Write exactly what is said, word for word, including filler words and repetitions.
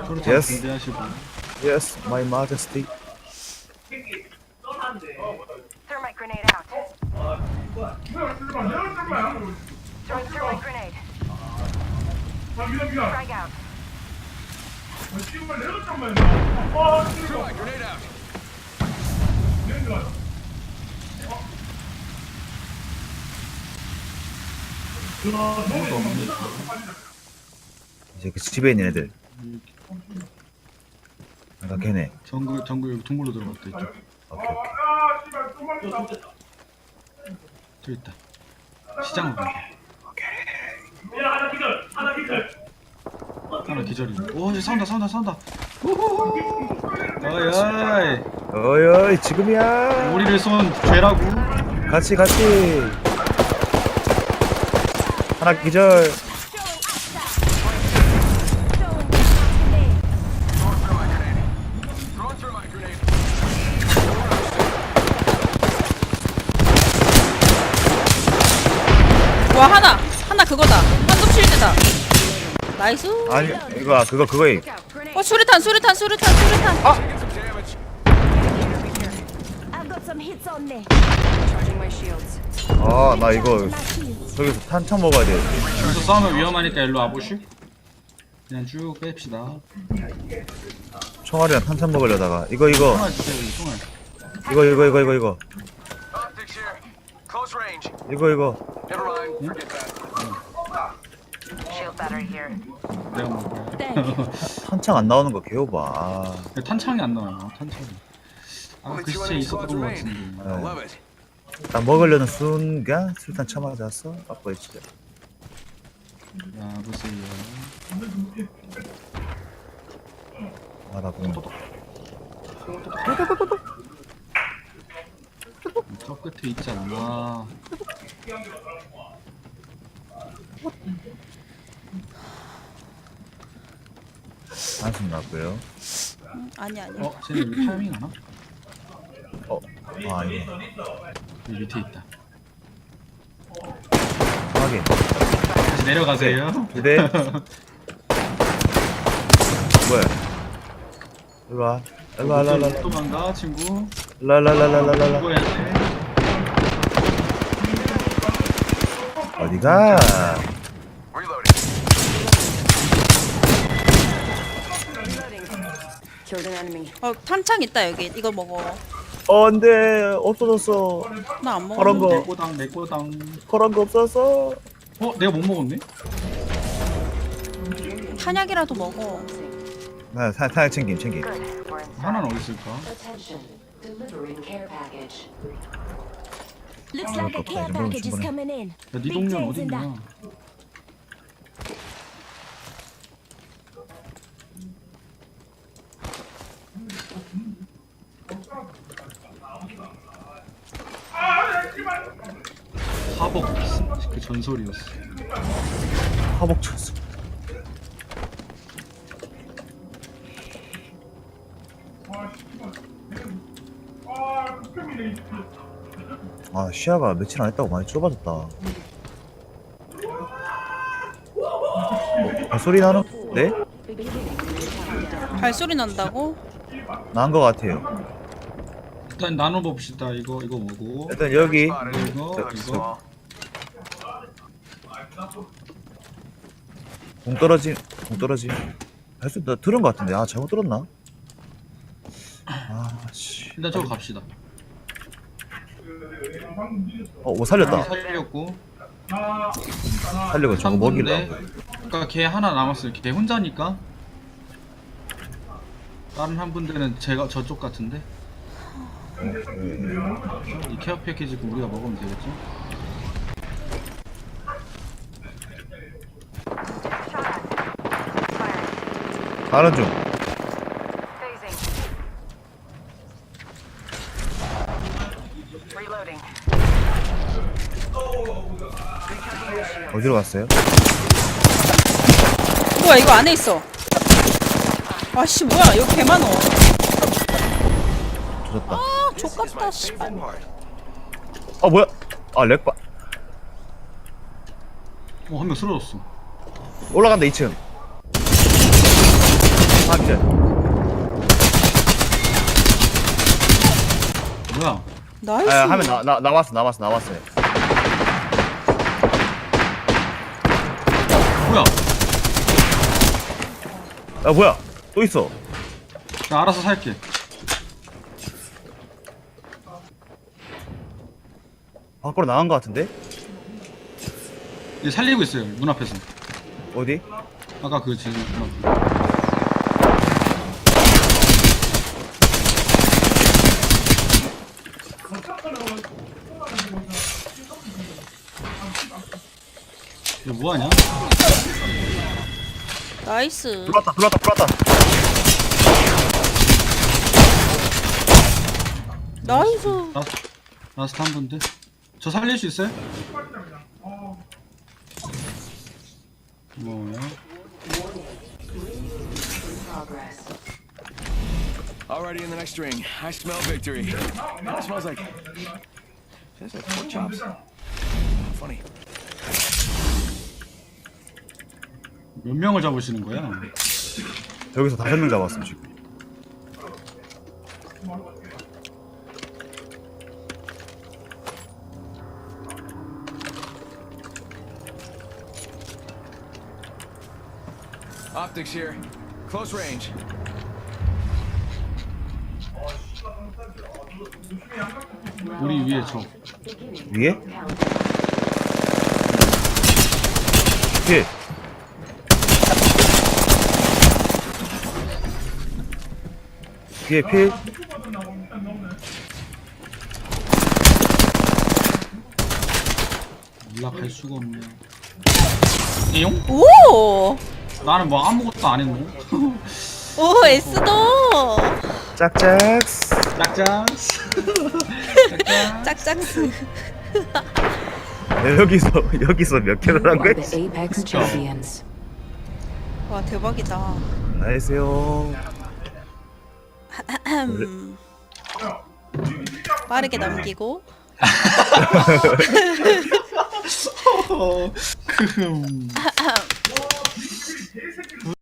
Yes. 준비하시고. Yes, my majesty. Thermite grenade out. Throwing thermite grenade. Frag out. Thermite grenade out. 아무도 없네. 이제 그 집에 있는 애들. 아까 걔네. 정글 정글 여기 동굴로 들어갔다 이쪽. 오케이 오케이. 저 있다. 시장으로 가. 하나 기절이. 오 이제 싸운다 싸운다 싸운다. 우후후. 어이 어이. 어이 어이 지금이야. 우리를 쏜 죄라고. 같이 같이. 하나 기절. Throwing thermite grenade. 와 하나 하나 그거다 한금 실드다 나이스. 아니 이거 그거 그거임. 어 수류탄 수류탄 수류탄 수류탄 Get some damage. I've got some hits on me. Charging my shields. 아 나 이거 My shields. 저기서 탄창 먹어야 돼. 여기서 싸우면 위험하니까 일로 와보슈. 그냥 쭉 뺍시다. 총알이랑 탄창 먹으려다가 이거 이거 총알 주세요 여기 총알. 이거 이거 이거 이거 이거 Optics here. Close range. 이거 이거 Never mind. Forget that. Shield battery here. 내가 먹을 Thank 거야. 탄창 안 나오는 거 개오바. 아, 탄창이 안 나와요 탄창이. 아 Only 그 two 시체 enemy 있었던 squads 것 remain. 같은데. I love it. 나 먹으려는 순간 술탄 쳐맞았어. 아빠 진짜. 야 보세요. 아나 공. 저 끝에 있지 않나. 한숨 났고요. 아니 아니 어 쟤네 여기 타이밍 하나? 어, 아 아니. 여기 밑에 있다. 확인. 다시 내려가세요. 기대. 뭐야? 일로 와. 일로 와, 일로 와, 일로 와. 도망가 친구. 라라라라라라라. 죽어야 돼. 어디가? Reloading. Killed an enemy. 어 탄창 있다 여기 이거 먹어. 어, 안돼. 없어졌어. 나 안 먹어. 그런 거. 내 꼬당 내 꼬당. 그런 거 없었어. 어 내가 못 먹었네? 탄약이라도 먹어. 나 사, 사약 챙김 챙김. Good. We're inside. 하나는 어디 있을까? Attention, delivering care package. Looks like a care package is coming in. 야, 네 Big 동료는 things 어디 in 있냐? that. 화복 그 전설이었어. 화복 쳤어. 아 시야가 며칠 안 했다고 많이 좁아졌다. 어, 아, 소리 나는? 네? 발소리 난다고? 난 거 같아요. 일단 나눠 봅시다. 이거 이거 뭐고? 일단 여기 Spotted. 이거 They look 이거. small. 공 떨어짐, 공 떨어짐. 할수 나 들은 거 같은데. 아 잘못 들었나? 아 씨. 일단 저거 갑시다. 어, 뭐 살렸다. 살렸고. 살려고 저거 먹이려. 삼 분인데, 그러니까 걔 하나 남았어요. 걔 혼자니까. 다른 한 분들은 제가 저쪽 같은데. 이 케어 패키지 그 우리가 먹으면 되겠죠? 가는 중. Phasing. Reloading. 어디로 갔어요? 뭐야 이거 안에 있어. 아씨 뭐야 이거 개 많어. 조졌다. 아 족같다 씨발. 아 뭐야? 아 렉바. 어, 한 명 쓰러졌어. 올라간다 이 층. 확인. 진짜. 뭐야? 나이스. 아, 하면 나, 나, 나왔어, 나왔어, 나왔어요. 뭐야? 야, 뭐야? 또 있어. 나 알아서 살게. 밖으로 나간 것 같은데? 얘 살리고 있어요. 문 앞에서. 어디? 아까 그 지금 문 앞에. 얘 뭐하냐? 나이스. 들어왔다, 들어왔다, 들어왔다. 나이스. 라, 라스트 한 분데. 저 살릴 수 있어요? 뭐야? Progress. Already in the next ring. I smell victory. It smells like. Smells like pork chops. Funny. 몇 명을 잡으시는 거야? 여기서 다섯 명 잡았어, 지금. Optics here. Close range. 우리 위에 저. 위에? 필. 뒤에 필. 연락할 수가 없네. 이용? 오. 나는 뭐 아무것도 안 했노? 오 에스도. 짝짝. 짝짝. 짝짝스. 야, 여기서, 여기서 몇 킬을 한 You are 거야? the Apex champions. 와 대박이다. 나이스요. 음. 빠르게 넘기고. 어, 흠.